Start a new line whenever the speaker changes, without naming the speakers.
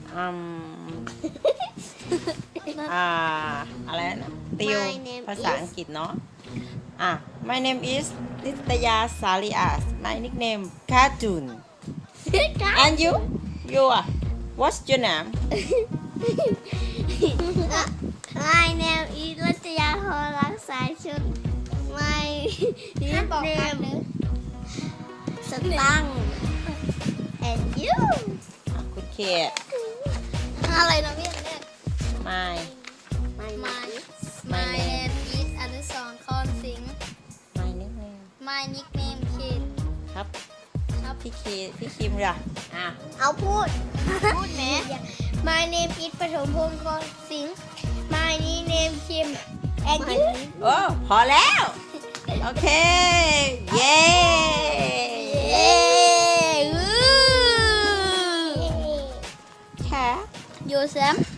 อืมอะไรนะติว ภาษาอังกฤษเนาะMy name is นิตยาสาลีอาส My nickname Cartoon and you are what's your name
My name is รัตยาพรรักษาชุด My nickname สตัง and you
คุณเค
อะไรนะพี่อันแรก
My
My name is อนุสรณ์คอนสิงห์
My nickname
My nickname คิด
ครับ
ครับ
พี่คิมล่ะ
เอาพูดแหม My name is ปฐมพงศ์คอนสิงห์ My name คิม and you
โอ้พอแล้ว โอเค เย้
แค่ยูเซม